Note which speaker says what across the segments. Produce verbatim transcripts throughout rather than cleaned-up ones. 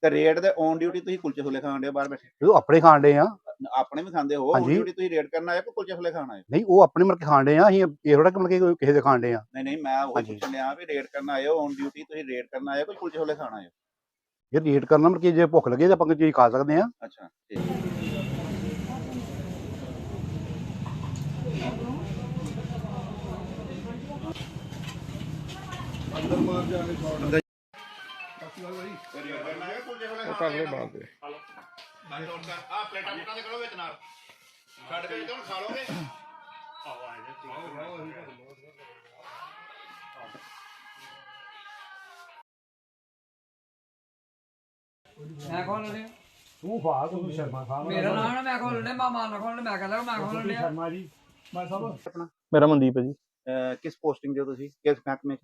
Speaker 1: ਤੇ ਰੇਡ ਦੇ on duty ਤੁਸੀਂ ਕੁਲਚੇ ਛੋਲੇ ਖਾਣ ਦੇ ਬਾਹਰ ਬੈਠੇ?
Speaker 2: ਉਹ ਆਪਣੇ ਖਾਣ ਡੇ ਆ।
Speaker 1: ਆਪਣੇ ਵੀ ਖਾਂਦੇ ਹੋ? ਔਨ ਡਿਊਟੀ ਤੁਸੀਂ ਰੇਡ ਕਰਨ ਆਏ ਕੋ ਕੁਲਚੇ ਛੋਲੇ ਖਾਣ ਆਏ?
Speaker 2: ਨਹੀਂ, ਉਹ ਆਪਣੇ ਮਤਲਬ ਖਾਣ ਡੇ ਆ। ਅਸੀਂ ਇਹ ਥੋੜਾ ਕਿ ਮਤਲਬ ਕਿ ਕਿਸੇ ਦੇ ਖਾਣ ਡੇ ਆ।
Speaker 1: ਨਹੀਂ ਨਹੀਂ, ਮੈਂ ਉਹ ਪੁੱਛਣ ਲਿਆ ਵੀ ਰੇਡ ਕਰਨ ਆਏ ਹੋ, ਔਨ ਡਿਊਟੀ ਤੁਸੀਂ ਰੇਡ ਕਰਨ ਆਏ ਕੋਈ ਕੁਲਚੇ ਛੋਲੇ ਖਾਣ ਆਏ?
Speaker 2: ਇਹ ਰੇਡ ਕਰਨਾ ਮਤਲਬ ਕਿ ਜੇ ਭੁੱਖ ਲੱਗੇ ਤਾਂ ਆਪਾਂ ਕੋਈ ਚੀਜ਼ ਖਾ ਸਕਦੇ ਆ।
Speaker 1: ਅੱਛਾ ਠੀਕ। ਅੰਦਰ ਮਾਰ ਜਾ ਕੇ ਛੋੜ
Speaker 3: ਕਰ ਲੈ ਬਾਅਦ ਦੇ
Speaker 1: ਆ ਪਲੇਟਾਂ ਪਲੇਟਾਂ ਦੇ ਕਰੋ ਵਿੱਚ ਨਾਲ ਛੱਡ ਕੇ ਹੁਣ ਖਾ ਲੋਗੇ।
Speaker 4: ਮੈਂ ਖੋਲ ਲਿਆ
Speaker 5: ਤੂੰ ਖਾ ਤੂੰ ਸ਼ਰਮਾ ਖਾ
Speaker 4: ਮੇਰਾ ਨਾਮ ਨਾ ਮੈਂ ਖੋਲ ਲਿਆ ਮਾਮਾ ਨਾ ਖੋਲ ਮੈਂ ਕਹਿੰਦਾ ਮੈਂ ਖੋਲ ਲਿਆ
Speaker 5: ਸ਼ਰਮਾ ਜੀ। ਮੈਂ ਸਭ
Speaker 1: ਆਪਣਾ
Speaker 3: ਮੇਰਾ ਮਨਦੀਪ ਹੈ ਜੀ।
Speaker 1: ਕਿਸ ਪੋਸਟਿੰਗ ਦੇ ਹੋ ਤੁਸੀਂ, ਕਿਸ ਮਹਿਕਮੇ ਚ?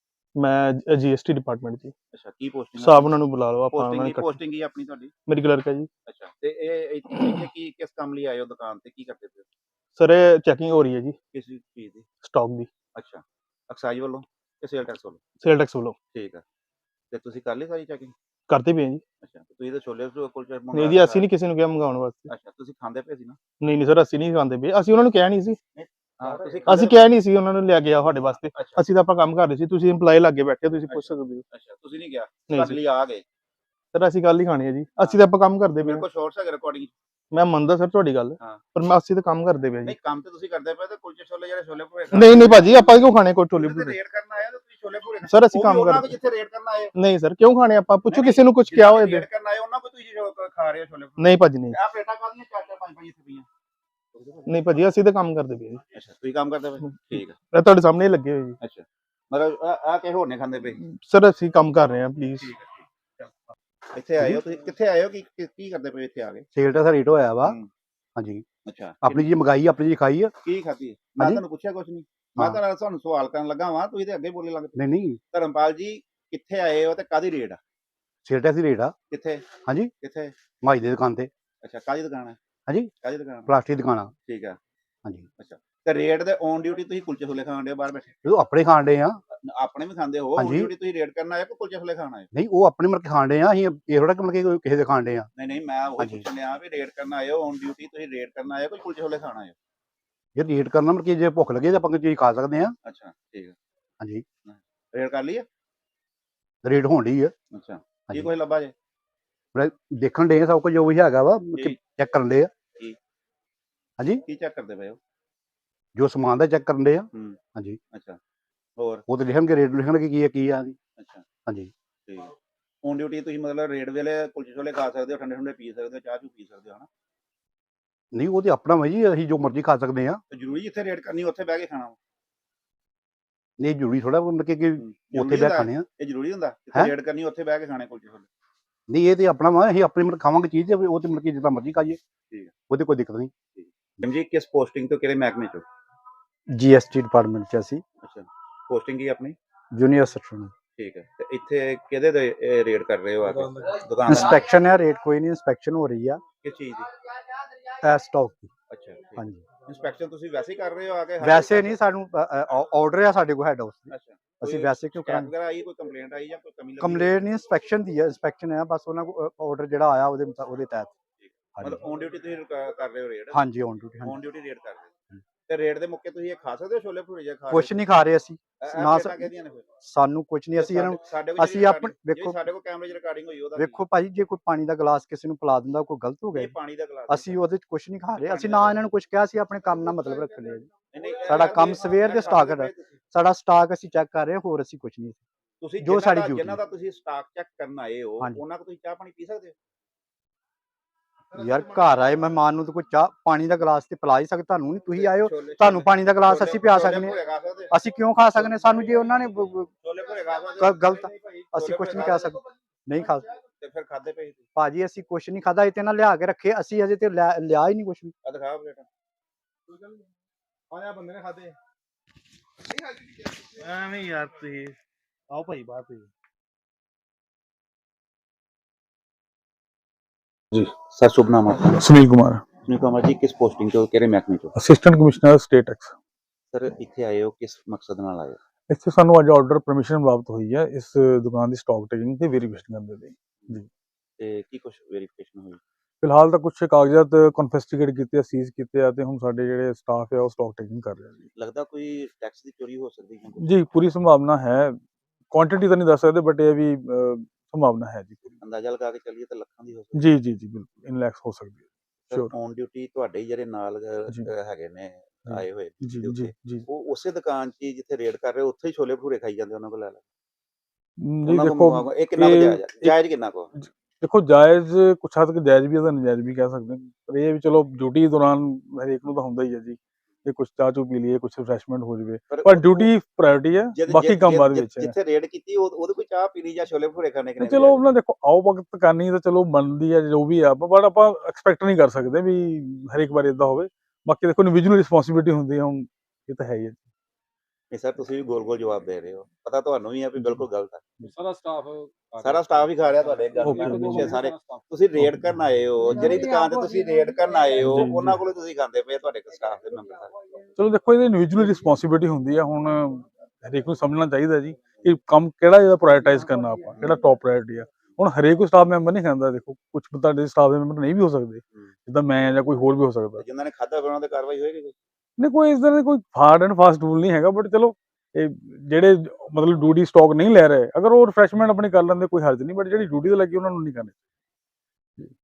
Speaker 3: ਮੈਂ ਜੀਐਸਟੀ ਡਿਪਾਰਟਮੈਂਟ ਜੀ।
Speaker 1: ਅੱਛਾ, ਕੀ ਪੋਸਟਿੰਗ?
Speaker 3: ਸਾਹਿਬ ਉਹਨਾਂ ਨੂੰ ਬੁਲਾ ਲਓ ਆਪਾਂ।
Speaker 1: ਪੋਸਟਿੰਗ
Speaker 3: ਉਹਨਾਂ
Speaker 1: ਕੀ
Speaker 3: ਨੇ
Speaker 1: ਪੋਸਟਿੰਗ ਕੀ ਆਪਣੀ ਤੁਹਾਡੀ?
Speaker 3: ਮੇਰੀ ਕਲਰਕ ਹੈ ਜੀ।
Speaker 1: ਅੱਛਾ, ਤੇ ਇਹ ਇੱਥੇ ਇੱਥੇ ਕੀ ਕਿਸ ਕੰਮ ਲਈ ਆਏ ਹੋ ਦੁਕਾਨ ਤੇ, ਕੀ ਕਰਦੇ ਪਏ ਹੋ?
Speaker 3: ਸਰ ਇਹ ਚੈਕਿੰਗ ਹੋ ਰਹੀ ਹੈ ਜੀ
Speaker 1: ਕਿਸ ਚੀਜ਼ ਦੀ?
Speaker 3: ਸਟਾਕ ਦੀ।
Speaker 1: ਅੱਛਾ, ਐਕਸਾਈਜ਼ ਵੱਲੋਂ ਕਿ ਸੇਲ ਟੈਕਸ ਵੱਲੋਂ?
Speaker 3: ਸੇਲ ਟੈਕਸ ਵੱਲੋਂ।
Speaker 1: ਠੀਕ ਹੈ, ਤੇ ਤੁਸੀਂ ਕਰ ਲਈ ਸਾਰੀ ਚੈਕਿੰਗ?
Speaker 3: ਕਰਦੇ ਪਏ ਜੀ।
Speaker 1: ਅੱਛਾ, ਤੁਸੀਂ ਤਾਂ ਛੋਲੇ ਕੁਲਚੇ
Speaker 3: ਨਹੀਂ ਜੀ, ਅਸੀਂ ਨਹੀਂ ਕਿਸੇ ਨੂੰ ਕਿਹਾ ਮੰਗਾਉਣ ਵਾਸਤੇ।
Speaker 1: ਅੱਛਾ, ਤੁਸੀਂ ਖਾਂਦੇ ਪਏ ਸੀ ਨਾ?
Speaker 3: ਨਹੀਂ ਨਹੀਂ ਸਰ, ਅਸੀਂ ਨਹੀਂ ਖਾਂਦੇ ਪਏ। ਅਸੀਂ ਉਹਨਾਂ ਨੂੰ ਕਿਹਾ ਨਹੀਂ ਸੀ।
Speaker 1: ਹਾਂ, ਤੁਸੀਂ
Speaker 3: ਅਸੀਂ ਕਿਹਾ ਨਹੀਂ ਸੀ ਉਹਨਾਂ ਨੂੰ ਲਿਆ ਗਿਆ ਸਾਡੇ ਵਾਸਤੇ।
Speaker 1: ਅੱਛਾ
Speaker 3: ਅਸੀਂ ਤਾਂ ਆਪਾਂ ਕੰਮ ਕਰ ਰਹੇ ਸੀ। ਤੁਸੀਂ EMPLOYE ਲੱਗੇ ਬੈਠੇ, ਤੁਸੀਂ ਪੁੱਛ ਸਕਦੇ ਹੋ।
Speaker 1: ਅੱਛਾ, ਤੁਸੀਂ ਨਹੀਂ ਗਿਆ,
Speaker 3: ਨਹੀਂ
Speaker 1: ਤੁਹਾਡੇ ਲਈ ਆ ਗਏ?
Speaker 3: ਸਰ ਅਸੀਂ ਗੱਲ ਹੀ ਖਾਣੀ ਹੈ ਜੀ। ਅਸੀਂ ਤਾਂ ਆਪਾਂ ਕੰਮ ਕਰਦੇ ਪਏ।
Speaker 1: ਮੇਰੇ ਕੋਲ ਸ਼ੋਰਟਸ ਹੈਗੇ ਰਿਕਾਰਡਿੰਗ।
Speaker 3: ਮੈਂ ਮੰਨਦਾ ਸਰ ਤੁਹਾਡੀ ਗੱਲ,
Speaker 1: ਹਾਂ,
Speaker 3: ਪਰ ਮੈਂ ਅਸੀਂ ਤਾਂ ਕੰਮ ਕਰਦੇ ਪਏ ਜੀ।
Speaker 1: ਨਹੀਂ ਕੰਮ ਤੇ ਤੁਸੀਂ ਕਰਦੇ ਪਏ ਤੇ ਕੁਲਚੇ ਛੋਲੇ ਜਿਹੜੇ ਛੋਲੇ ਭੂਰੇ
Speaker 3: ਨਹੀਂ ਨਹੀਂ ਭਾਜੀ, ਆਪਾਂ ਕਿਉਂ ਖਾਣੇ ਕੋਈ ਛੋਲੇ
Speaker 1: ਤੁਸੀਂ
Speaker 3: ਭਟੂਰੇ?
Speaker 1: ਰੇਡ ਕਰਨ ਆਏ ਹੋ ਤੇ ਤੁਸੀਂ ਛੋਲੇ ਭੂਰੇ
Speaker 3: ਸਰ ਅਸੀਂ ਕੰਮ ਕਰਦੇ।
Speaker 1: ਜਿੱਥੇ ਰੇਡ ਕਰਨ ਆਏ
Speaker 3: ਨਹੀਂ ਸਰ, ਕਿਉਂ ਖਾਣੇ ਆਪਾਂ? ਪੁੱਛੋ ਕਿਸੇ ਨੂੰ ਕੁਝ ਕਿਹਾ ਹੋਏ
Speaker 1: ਰੇਡ ਕਰਨ ਆਏ ਉਹਨਾਂ ਕੋਲ ਤੁਸੀਂ ਜੋ ਖਾ ਰਹੇ ਹੋ ਛੋਲੇ ਭਟੂਰੇ?
Speaker 3: ਨਹੀਂ ਭਾਜੀ ਨਹੀਂ।
Speaker 1: ਆ ਪਲੇਟਾਂ ਕਾਹਦੀਆਂ ਚਾਰ ਚਾਰ ਪੰਜ ਪੰਜ ਇੱਥੇ ਪਈਆਂ?
Speaker 3: ਨਹੀਂ ਭਾਜੀ, ਅਸੀਂ ਤਾਂ ਕੰਮ ਕਰਦੇ ਪਏ ਜੀ।
Speaker 1: ਅੱਛਾ, ਤੁਸੀਂ ਕੰਮ ਕਰਦੇ ਪਏ? ਠੀਕ ਹੈ,
Speaker 3: ਇਹ ਤੁਹਾਡੇ ਸਾਹਮਣੇ ਹੀ ਲੱਗੇ ਹੋਏ ਜੀ।
Speaker 1: ਅੱਛਾ, ਮਤਲਬ ਆ ਕੇ ਹੋਰ ਨੇ ਖਾਂਦੇ ਪਏ?
Speaker 3: ਸਰ ਅਸੀਂ ਕੰਮ ਕਰ ਰਹੇ ਹਾਂ, ਪਲੀਜ਼।
Speaker 1: ਠੀਕ ਹੈ, ਇੱਥੇ ਆਏ ਹੋ ਤੁਸੀਂ, ਕਿੱਥੇ ਆਏ ਹੋ, ਕੀ ਕੀ ਕਰਦੇ ਪਏ ਇੱਥੇ ਆ ਕੇ?
Speaker 2: ਸੇਲ ਟੈਕਸ ਰੇਟ ਹੋਇਆ ਵਾ।
Speaker 1: ਹੂੰ।
Speaker 2: ਹਾਂਜੀ,
Speaker 1: ਅੱਛਾ,
Speaker 2: ਆਪਣੀ ਚੀਜ਼ ਮੰਗਾਈ, ਆਪਣੀ ਚੀਜ਼ ਖਾਈ ਆ।
Speaker 1: ਕੀ ਖਾਧੀ? ਮੈਂ ਤੁਹਾਨੂੰ ਪੁੱਛਿਆ ਕੁਝ ਨਹੀਂ, ਮੈਂ ਤਾਂ ਤੁਹਾਨੂੰ ਸਵਾਲ ਕਰਨ ਲੱਗਾ ਵਾਂ, ਤੁਸੀਂ ਤੇ ਅੱਗੇ ਬੋਲੇ ਲੱਗ ਪਏ।
Speaker 2: ਨਹੀਂ ਨਹੀਂ,
Speaker 1: ਧਰਮਪਾਲ ਜੀ ਕਿੱਥੇ ਆਏ ਹੋ ਤੇ ਕਾਦੀ ਰੇਟ ਆ?
Speaker 2: ਸੇਲ ਟੈਕਸ ਰੇਟ ਆ।
Speaker 1: ਕਿੱਥੇ?
Speaker 2: ਹਾਂਜੀ,
Speaker 1: ਕਿੱਥੇ?
Speaker 2: ਮਾਈ ਦੀ ਦੁਕਾਨ ਤੇ।
Speaker 1: ਅੱਛਾ, ਕਾਦੀ ਦੁਕਾਨ ਹੈ?
Speaker 2: ਹਾਂਜੀ,
Speaker 1: ਕਾਦੀ ਦੁਕਾਨ?
Speaker 2: ਪਲਾਸਟਿਕ ਦੀ ਦੁਕਾਨ ਆ।
Speaker 1: ਠੀਕ ਹੈ,
Speaker 2: ਹਾਂਜੀ,
Speaker 1: ਅੱਛਾ, ਤੇ ਰੇਡ ਦੇ ਔਨ ਡਿਊਟੀ ਤੁਸੀਂ ਕੁਲਚੇ ਛੋਲੇ ਖਾਣ ਦੇ ਬਾਹਰ ਬੈਠੇ?
Speaker 2: ਉਹ ਆਪਣੇ ਖਾਣ ਡੇ ਆ।
Speaker 1: ਆਪਣੇ ਵੀ ਖਾਂਦੇ ਹੋ? ਔਨ
Speaker 2: ਹਾਂਜੀ।
Speaker 1: ਡਿਊਟੀ ਤੁਸੀਂ ਰੇਡ ਕਰਨ ਆਏ ਕੋ ਕੁਲਚੇ ਛੋਲੇ ਖਾਣ ਆਏ?
Speaker 2: ਨਹੀਂ, ਉਹ ਆਪਣੇ ਮਤਲਬ ਖਾਣ ਡੇ ਆ। ਅਸੀਂ ਇਹ ਥੋੜਾ ਕਿ ਮਤਲਬ ਕਿ ਕਿਸੇ ਦੇ ਖਾਣ ਡੇ ਆ।
Speaker 1: ਨਹੀਂ ਨਹੀਂ, ਮੈਂ ਉਹ
Speaker 2: ਹਾਂਜੀ।
Speaker 1: ਪੁੱਛਣ ਲਿਆ ਵੀ ਰੇਡ ਕਰਨ ਆਏ ਹੋ, ਔਨ ਡਿਊਟੀ ਤੁਸੀਂ ਰੇਡ ਕਰਨ ਆਏ ਕੋਈ ਕੁਲਚੇ ਛੋਲੇ ਖਾਣ ਆਏ?
Speaker 2: ਇਹ ਰੇਡ ਕਰਨਾ ਮਤਲਬ ਕਿ ਜੇ ਭੁੱਖ ਲੱਗੇ ਤਾਂ ਆਪਾਂ ਕੋਈ ਚੀਜ਼ ਖਾ ਸਕਦੇ ਆ।
Speaker 1: ਅੱਛਾ ਠੀਕ ਹੈ,
Speaker 2: ਹਾਂਜੀ,
Speaker 1: ਰੇਡ ਕਰ ਲਈ ਹੈ?
Speaker 2: ਰੇਡ ਹੋਣ ਡਈ ਆ।
Speaker 1: ਅੱਛਾ, ਕੀ ਕੁਝ ਲੱਭਾ ਜੇ?
Speaker 2: ਦੇਖਣ ਡੇ ਆ ਸਭ ਕੁਝ ਜੋ ਵੀ ਹੈਗਾ ਵਾ,
Speaker 1: ਕੀ?
Speaker 2: ਚੈੱਕ ਕਰਨ ਡੇ ਆ।
Speaker 1: ਕੀ?
Speaker 2: ਹਾਂਜੀ,
Speaker 1: ਕੀ ਚੈੱਕ ਕਰਦੇ ਪਏ ਹੋ?
Speaker 2: ਜੋ ਸਮਾਨ ਦਾ ਚੈੱਕ ਕਰਨ ਡੇ ਆ।
Speaker 1: ਹੂੰ,
Speaker 2: ਹਾਂਜੀ,
Speaker 1: ਅੱਛਾ, ਹੋਰ?
Speaker 2: ਉਹ ਤੇ ਲਿਖਣਗੇ, ਰੇਟ ਲਿਖਣਗੇ ਕੀ ਆ ਕੀ ਆ।
Speaker 1: ਅੱਛਾ
Speaker 2: ਹਾਂਜੀ,
Speaker 1: ਠੀਕ ਹੈ, ਔਨ ਡਿਊਟੀ ਤੁਸੀਂ ਮਤਲਬ ਰੇਡ ਵੇਲੇ ਕੁਲਚੇ ਛੋਲੇ ਖਾ ਸਕਦੇ ਹੋ, ਠੰਡੇ ਠੰਡੇ ਪੀ ਸਕਦੇ ਹੋ, ਚਾਹ ਚੂ ਪੀ ਸਕਦੇ ਹੋ ਹਨਾ?
Speaker 2: ਨਹੀਂ ਉਹ ਤੇ ਆਪਣਾ ਵਾ ਜੀ, ਅਸੀਂ ਜੋ ਮਰਜ਼ੀ ਖਾ ਸਕਦੇ ਆ।
Speaker 1: ਤੇ ਜ਼ਰੂਰੀ ਜਿੱਥੇ ਰੇਡ ਕਰਨੀ ਉੱਥੇ ਬਹਿ ਕੇ ਖਾਣਾ ਵਾ?
Speaker 2: ਨਹੀਂ ਜ਼ਰੂਰੀ ਥੋੜਾ ਮਤਲਬ ਕਿ
Speaker 1: ਹੂੰ,
Speaker 2: ਉੱਥੇ
Speaker 1: ਜ਼ਰੂਰੀ
Speaker 2: ਬਹਿ
Speaker 1: ਹੁੰਦਾ?
Speaker 2: ਖਾਣੇ ਆ।
Speaker 1: ਇਹ ਜ਼ਰੂਰੀ ਹੁੰਦਾ ਜਿੱਥੇ
Speaker 2: ਹੈਂ?
Speaker 1: ਰੇਡ ਕਰਨੀ ਉੱਥੇ ਬਹਿ ਕੇ ਖਾਣੇ ਕੁਲਚੇ ਛੋਲੇ?
Speaker 2: ਨਹੀਂ, ਇਹ ਤੇ ਆਪਣਾ ਵਾ, ਅਸੀਂ ਆਪਣੀ ਮਤਲਬ ਖਾਵਾਂਗੇ ਚੀਜ਼ ਤੇ ਉਹ ਤੇ ਮਤਲਬ ਕਿ ਜਿੱਦਾਂ ਮਰਜ਼ੀ ਖਾਈਏ।
Speaker 1: ਠੀਕ ਹੈ,
Speaker 2: ਉਹਦੇ ਕੋਈ ਦਿੱਕਤ ਨਹੀਂ।
Speaker 1: ਜੀ ਕਿਸ ਪੋਸਟਿੰਗ ਤੋਂ ਕਿਹੜੇ ਮਹਿਕਮੇ ਚੋਂ?
Speaker 5: ਜੀਐਸਟੀ ਡਿਪਾਰਟਮੈਂਟ ਚ ਅਸੀਂ
Speaker 1: ਅੱਛਾ, ਪੋਸਟਿੰਗ ਕੀ ਆਪਣੀ?
Speaker 5: Junior section.
Speaker 1: ਠੀਕ ਹੈ, ਤੇ ਇੱਥੇ ਕਿਹਦੇ ਦੇ ਰੇਡ ਕਰ ਰਹੇ ਹੋ ਆ ਕੇ? ਦੁਕਾਨ ਦਾ?
Speaker 5: ਇੰਸਪੈਕਸ਼ਨ ਹੈ, ਰੇਟ ਕੋਈ ਨਹੀਂ, ਇੰਸਪੈਕਸ਼ਨ ਹੋ ਰਹੀ ਆ
Speaker 1: ਕਿਸ ਚੀਜ਼ ਦੀ?
Speaker 5: ਇਹ ਸਟਾਕ ਦੀ।
Speaker 1: ਅੱਛਾ ਠੀਕ।
Speaker 5: ਹਾਂਜੀ,
Speaker 1: ਇੰਸਪੈਕਸ਼ਨ ਤੁਸੀਂ ਵੈਸੇ ਹੀ ਕਰ ਰਹੇ ਹੋ ਆ ਕੇ? ਹਰ
Speaker 5: ਵੈਸੇ
Speaker 1: ਕੋਈ
Speaker 5: ਨਹੀਂ, ਸਾਨੂੰ ਆਰਡਰ ਆ ਸਾਡੇ ਕੋਲ ਹੈਡ ਹਾਊਸ ਦੀ।
Speaker 1: ਅੱਛਾ,
Speaker 5: ਅਸੀਂ
Speaker 1: ਕੋਈ
Speaker 5: ਵੈਸੇ ਕਿਉਂ
Speaker 1: ਸ਼ਿਕਾਇਤ
Speaker 5: ਕਰਾਂਗੇ?
Speaker 1: ਵਗੈਰਾ ਆਈ, ਕੋਈ ਕੰਪਲੇਂਟ ਆਈ ਜਾਂ ਕੋਈ ਕਮੀ ਲੱਗੀ?
Speaker 5: ਕੰਪਲੇਂਟ ਨਹੀਂ, ਇੰਸਪੈਕਸ਼ਨ ਦੀ ਹੈ। ਇੰਸਪੈਕਸ਼ਨ ਹੈ ਬਸ, ਉਹਨਾਂ ਕੋਲ ਆਰਡਰ ਜਿਹੜਾ ਆਇਆ ਉਹਦੇ ਮੁਤਾ- ਉਹਦੇ ਤਹਿਤ।
Speaker 1: ਮਤਲਬ ਔਨ ਡਿਊਟੀ ਤੁਸੀਂ ਕ- ਕਰ ਰਹੇ ਹੋ ਰੇਡ?
Speaker 5: ਹਾਂਜੀ, on duty.
Speaker 1: On duty raid ਕਰ ਰਹੇ ਹੋ, ਤੇ ਰੇਡ ਦੇ ਮੌਕੇ ਤੁਸੀਂ ਇਹ ਖਾ ਸਕਦੇ ਹੋ ਛੋਲੇ ਭਟੂਰੇ ਜਾਂ ਖਾ
Speaker 5: ਕੁਛ ਨਹੀਂ ਖਾ ਰਹੇ ਅਸੀਂ ਨਾ,
Speaker 1: ਨਾ
Speaker 5: ਸ-
Speaker 1: ਕਹਿੰਦੀਆਂ ਨੇ ਫਿਰ?
Speaker 5: ਸਾਨੂੰ ਕੁਛ ਨਹੀਂ, ਅਸੀਂ ਇਹਨਾਂ ਨੂੰ
Speaker 1: ਸਾਡੇ ਕੋਲ
Speaker 5: ਅਸੀਂ ਆਪਣੇ ਵੇਖੋ
Speaker 1: ਸਾਡੇ ਕੋਲ ਕੈਮਰੇ 'ਚ ਰਿਕਾਰਡਿੰਗ ਹੋਈ ਉਹਦਾ
Speaker 5: ਵੇਖੋ ਭਾਜੀ, ਜੇ ਕੋਈ ਪਾਣੀ ਦਾ ਗਲਾਸ ਕਿਸੇ ਨੂੰ ਪਿਲਾ ਦਿੰਦਾ, ਕੋਈ ਗਲਤ ਹੋ
Speaker 1: ਇਹ
Speaker 5: ਗਿਆ?
Speaker 1: ਪਾਣੀ ਦਾ ਗਲਾਸ
Speaker 5: ਅਸੀਂ ਉਹਦੇ ਚ ਕੁਛ ਨਹੀਂ ਖਾ ਰਹੇ। ਅਸੀਂ ਨਾ ਇਹਨਾਂ ਨੂੰ ਕੁਛ ਕਿਹਾ, ਅਸੀਂ ਆਪਣੇ ਕੰਮ ਨਾਲ ਮਤਲਬ ਰੱਖ ਲਿਆ ਜੀ।
Speaker 1: ਨਹੀਂ, ਨਹੀਂ, ਇਹ
Speaker 5: ਸਾਡਾ
Speaker 1: ਯਾਰ
Speaker 5: ਕੰਮ
Speaker 1: ਤੁਸੀਂ
Speaker 5: ਸਵੇਰ ਦੇ ਸਟਾਕ ਹੈ। ਸਾਡਾ ਸਟਾਕ ਅਸੀਂ ਚੈੱਕ ਕਰ ਰਹੇ ਹਾਂ, ਹੋਰ ਅਸੀਂ ਕੁਛ ਨਹੀਂ।
Speaker 1: ਤੁਸੀਂ
Speaker 5: ਜੋ
Speaker 1: ਜੋ
Speaker 5: ਸਾਡੀ
Speaker 1: ਸਾਡੀ
Speaker 5: duty
Speaker 1: ਜਿਨ੍ਹਾਂ ਦਾ ਤੁਸੀਂ ਸਟਾਕ ਚੈੱਕ ਕਰਨ ਆਏ ਹੋ,
Speaker 5: ਹਾਂਜੀ।
Speaker 1: ਉਹਨਾਂ ਕੋਲ ਤੁਸੀਂ ਚਾਹ ਪਾਣੀ ਪੀ ਸਕਦੇ ਹੋ?
Speaker 5: ਯਾਰ ਘਰ ਆਏ ਮਹਿਮਾਨ ਨੂੰ ਤਾਂ ਕੋਈ ਚਾਹ ਪਾਣੀ ਦਾ ਗਲਾਸ ਤੇ ਪਿਲਾ ਹੀ ਸਕਦੇ। ਤੁਹਾਨੂੰ ਨਹੀਂ, ਤੁਸੀਂ ਆਏ ਹੋ,
Speaker 1: ਛੋਲੇ-
Speaker 5: ਤੁਹਾਨੂੰ ਪਾਣੀ ਦਾ ਗਲਾਸ
Speaker 1: ਛੋਲੇ-
Speaker 5: ਅਸੀਂ ਪਿਆ
Speaker 1: ਛੋਲੇ
Speaker 5: ਸਕਦੇ ਹਾਂ।
Speaker 1: ਭਟੂਰੇ ਖਾ ਸਕਦੇ ਹੋ?
Speaker 5: ਅਸੀਂ ਕਿਉਂ ਖਾ ਸਕਦੇ? ਸਾਨੂੰ ਜੇ ਉਹਨਾਂ ਨੇ ਬ- ਬ-
Speaker 1: ਛੋਲੇ ਭਟੂਰੇ ਖਾ ਸਕਦੇ ਹੋ?
Speaker 5: ਗਲਤ
Speaker 1: ਨਹੀਂ ਭਾਈ,
Speaker 5: ਅਸੀਂ
Speaker 1: ਛੋਲੇ
Speaker 5: ਕੁਛ ਨਹੀਂ
Speaker 1: ਭਟੂਰੇ
Speaker 5: ਕਹਿ ਸਕਦੇ। ਨਹੀਂ ਖਾ
Speaker 1: ਤੇ ਫਿਰ ਖਾਦੇ ਪਏ ਤੁਸੀਂ?
Speaker 5: ਭਾਜੀ, ਅਸੀਂ ਕੁਛ ਨਹੀਂ ਖਾਦਾ। ਇਹ ਤੇ ਨਾ ਲਿਆ ਕੇ ਰੱਖੇ, ਅਸੀਂ ਅਜੇ ਤੇ ਲਿਆ ਲਿਆ ਹੀ ਨਹੀਂ ਕੁਛ ਵੀ।
Speaker 1: ਆ ਦਿਖਾ ਪਲੇਟ।
Speaker 3: ਆਇਆ ਬੰਦੇ ਨੇ ਖਾਦੇ ਐਵੇਂ ਯਾਰ। ਤੁਸੀਂ ਆਓ ਭਾਈ ਬਾਹਰ ਤੁਸੀਂ।
Speaker 1: ਜੀ ਸਰ, ਸ਼ੁਭ ਨਾਮ ਆਪका?
Speaker 3: ਸੁਨੀਲ ਕੁਮਾਰ,
Speaker 1: ਸੁਨੀਲ ਕੁਮਾਰ ਜੀ, ਕਿਸ ਪੋਸਟਿੰਗ ਤੋਂ, ਕਿਹੜੇ ਮਹਿਕਮੇ ਤੋਂ?
Speaker 3: Assistant commissioner state tax.
Speaker 1: Sir ਇੱਥੇ ਆਏ ਹੋ ਕਿਸ ਮਕਸਦ ਨਾਲ ਆਏ ਹੋ?
Speaker 3: ਇੱਥੇ ਸਾਨੂੰ ਅੱਜ ਆਰਡਰ ਪਰਮਿਸ਼ਨ ਪ੍ਰਾਪਤ ਹੋਈ ਹੈ ਇਸ ਦੁਕਾਨ ਦੀ ਸਟਾਕ ਟੇਕਿੰਗ ਤੇ ਵੈਰੀਫਿਕੇਸ਼ਨ ਕਰਨ ਦੇ ਲਈ ਜੀ।
Speaker 1: ਕੀ ਕੁਝ ਵੈਰੀਫਿਕੇਸ਼ਨ ਹੋਈ?
Speaker 3: ਫਿਲਹਾਲ ਤਾਂ ਕੁਝ ਕਾਗਜ਼ਾਤ ਕਨਫਿਸਕੇਟ ਕੀਤੇ ਆ, ਸੀਜ਼ ਕੀਤੇ ਆ ਤੇ ਹੁਣ ਸਾਡੇ ਜਿਹੜੇ ਸਟਾਫ ਹੈ ਉਹ ਸਟਾਕ ਟੇਕਿੰਗ ਕਰ ਰਿਹਾ ਜੀ।
Speaker 1: ਲੱਗਦਾ ਕੋਈ ਟੈਕਸ ਦੀ ਚੋਰੀ ਹੋ ਸਕਦੀ ਹੈ ਕੁਛ?
Speaker 3: ਜੀ ਪੂਰੀ ਸੰਭਾਵਨਾ ਹੈ, ਕੁਆਂਟੀਟੀ ਤਾਂ ਨਹੀਂ ਦੱਸ ਸਕਦੇ ਬਟ ਇਹ ਵੀ ਅਹ, ਸੰਭਾਵਨਾ ਹੈ ਜੀ ਪੂਰੀ।
Speaker 1: ਅੰਦਾਜ਼ਾ ਲਗਾ ਕੇ ਚੱਲੀਏ ਤਾਂ ਲੱਖਾਂ ਦੀ ਹੋ ਸਕਦੀ
Speaker 3: ਜੀ ਜੀ ਜੀ ਬਿਲਕੁਲ ਇਨ ਲੈਕਸ ਹੋ ਸਕਦੀ ਹੈ।
Speaker 1: ਹੈ।
Speaker 3: sure।
Speaker 1: ਔਨ ਡਿਊਟੀ ਤੁਹਾਡੇ ਹੀ ਜਿਹੜੇ ਨਾਲ ਅਹ,
Speaker 3: ਜੀ।
Speaker 1: ਅਹ, ਹੈਗੇ ਨੇ ਆਏ ਹੋਏ
Speaker 3: ਜੀ
Speaker 1: ਦੇ
Speaker 3: ਜੀ
Speaker 1: ਉੱਤੇ,
Speaker 3: ਜੀ
Speaker 1: ਉਹ ਉਸੇ ਦੁਕਾਨ 'ਚ ਹੀ ਜਿੱਥੇ ਰੇਡ ਕਰ ਰਹੇ ਉੱਥੇ ਹੀ ਛੋਲੇ ਭਟੂਰੇ ਖਾਈ ਜਾਂਦੇ ਉਹਨਾਂ ਕੋਲ ਲੈ ਲੈ
Speaker 3: ਮ, ਜੀ
Speaker 1: ਉਹਨਾਂ ਕੋਲ
Speaker 3: ਦੇਖੋ
Speaker 1: ਮੰਗਵਾ- ਇਹ ਕਿੰਨਾ ਕੁ
Speaker 3: ਇਹ-
Speaker 1: ਜਾਇਜ਼ ਹੈ?
Speaker 3: ਇਹ-
Speaker 1: ਜਾਇਜ਼ ਕਿੰਨਾ ਕੁ?
Speaker 3: ਦੇਖੋ ਜਾਇਜ਼ ਕੁਛ ਹੱਦ ਤੱਕ ਜਾਇਜ਼ ਵੀ ਹੈ ਤਾਂ ਨਜਾਇਜ਼ ਵੀ ਕਹਿ ਸਕਦੇ ਹਾਂ, ਪਰ ਇਹ ਵੀ ਚਲੋ ਡਿਊਟੀ ਦੌਰਾਨ ਹਰੇਕ ਨੂੰ ਤਾਂ ਹੁੰਦਾ ਹੀ ਹੈ ਜੀ ਕਿ ਕੁਛ ਚਾਹ ਚੂ ਪੀ ਲਈਏ, ਕੁਛ ਰਿਫਰੈਸ਼ਮੈਂਟ ਹੋ ਜਾਵੇ, ਪਰ
Speaker 1: ਉਹ-
Speaker 3: ਡਿਊਟੀ ਪ੍ਰਾਇੋਰਟੀ ਹੈ,
Speaker 1: ਜਿ-
Speaker 3: ਬਾਕੀ
Speaker 1: ਜਿ-
Speaker 3: ਕੰਮ
Speaker 1: ਜਿ-
Speaker 3: ਬਾਅਦ
Speaker 1: ਜਿ-
Speaker 3: ਵਿੱਚ ਹੈ।
Speaker 1: ਜਿੱਥੇ ਰੇਡ ਕੀਤੀ ਉਹ- ਉਹਦੇ ਕੋਈ ਚਾਹ ਪੀਣੀ ਜਾਂ ਛੋਲੇ ਭਟੂਰੇ ਖਾਣੇ
Speaker 3: ਤੇ
Speaker 1: ਕਿੰਨੇ ਕੁ
Speaker 3: ਚਲੋ
Speaker 1: ਜਾਇਜ਼?
Speaker 3: ਉਹਨਾਂ ਦੇਖੋ ਆਓ ਵਕਤ ਕਰਨੀ ਤਾਂ ਚਲੋ ਬਣਦੀ ਹੈ ਜੋ ਵੀ ਆ, ਬਟ ਆਪਾਂ ਐਕਸਪੈਕਟ ਨਹੀਂ ਕਰ ਸਕਦੇ ਵੀ ਹਰੇਕ ਵਾਰ ਇਦਾਂ ਹੋਵੇ। ਬਾਕੀ ਦੇਖੋ ਇੰਡੀਵਿਜੂਅਲ ਰਿਸਪੌਂਸਿਬਿਲਿਟੀ ਹੁੰਦੀ ਹੈ, ਹੁਣ ਇਹ ਤਾਂ ਹੈ ਹੀ ਹੈ।
Speaker 1: ਨਹੀਂ ਸਰ, ਤੁਸੀਂ ਵੀ ਗੋਲ ਗੋਲ ਜਵਾਬ ਦੇ ਰਹੇ ਹੋ, ਪਤਾ ਤੁਹਾਨੂੰ ਵੀ ਹੈ ਵੀ ਬਿਲਕੁਲ ਗਲਤ ਹੈ।
Speaker 6: ਸਾਰਾ ਸਟਾਫ
Speaker 1: ਸਾਰਾ ਸਟਾਫ ਹੀ ਖਾ ਰਿਹਾ ਤੁਹਾਡੇ ਗੱਲ
Speaker 3: Okay,
Speaker 1: ਨਾਲ,
Speaker 3: okay,
Speaker 1: ਪਿੱਛੇ ਸਾਰੇ ਤੁਸੀਂ ਰੇਡ ਕਰਨ ਆਏ ਹੋ, ਜਿਹੜੀ ਦੁਕਾਨ ਤੇ ਤੁਸੀਂ ਰੇਡ ਕਰਨ ਆਏ ਹੋ
Speaker 3: ਜੀ, ਜੀ।
Speaker 1: ਉਹਨਾਂ ਕੋਲੋਂ ਤੁਸੀਂ ਖਾਂਦੇ ਪਏ ਤੁਹਾਡੇ ਸਟਾਫ ਦੇ ਮੈਂਬਰ ਸਾਰੇ।
Speaker 3: ਚਲੋ ਦੇਖੋ ਇਹਦੀ ਇੰਡੀਵਿਜੂਅਲ ਰਿਸਪੌਂਸਿਬਿਲਿਟੀ ਹੁੰਦੀ ਹੈ, ਹੁਣ ਹਰੇਕ ਨੂੰ ਸਮਝਣਾ ਚਾਹੀਦਾ ਜੀ ਕਿ ਕੰਮ ਕਿਹੜਾ ਇਹਦਾ ਪ੍ਰਾਇੋਰਟਾਈਜ਼ ਕਰਨਾ, ਆਪਾਂ ਕਿਹੜਾ ਟੌਪ ਪ੍ਰਾਇੋਰਟੀ ਆ। ਹੁਣ ਹਰੇਕ ਕੋਈ ਸਟਾਫ ਮੈਂਬਰ ਨਹੀਂ ਖਾਂਦਾ, ਦੇਖੋ ਕੁਝ ਤੁਹਾਡੇ ਸਟਾਫ ਦੇ ਮੈਂਬਰ ਨਹੀਂ ਵੀ ਹੋ ਸਕਦੇ, ਜਿੱਦਾਂ ਮੈਂ ਜਾਂ ਕੋਈ ਹੋਰ ਵੀ ਹੋ ਸਕਦਾ।
Speaker 1: ਜਿਨ੍ਹਾਂ ਨੇ ਖਾਧਾ ਉਹਨਾਂ ਤੇ ਕਾਰਵਾਈ ਹੋਏਗੀ ਕੋਈ?
Speaker 3: ਨਹੀਂ ਕੋਈ ਇਸ ਤਰ੍ਹਾਂ ਦੀ ਕੋਈ ਹਾਰਡ ਐਂਡ ਫਾਸਟ ਰੂਲ ਨਹੀਂ ਹੈਗਾ, ਬਟ ਚਲੋ ਇਹ ਜਿਹੜੇ ਮਤਲਬ ਡਿਊਟੀ ਸਟਾਕ ਨਹੀਂ ਲੈ ਰਹੇ, ਅਗਰ ਉਹ ਰਿਫਰੈਸ਼ਮੈਂਟ ਆਪਣੀ ਕਰ ਲੈਂਦੇ ਕੋਈ ਹਰਜ ਨਹੀਂ, ਬਟ ਜਿਹੜੀ ਡਿਊਟੀ ਤੇ ਲੱਗੀ ਉਹਨਾਂ ਨੂੰ ਨਹੀਂ ਕਰਨੀ।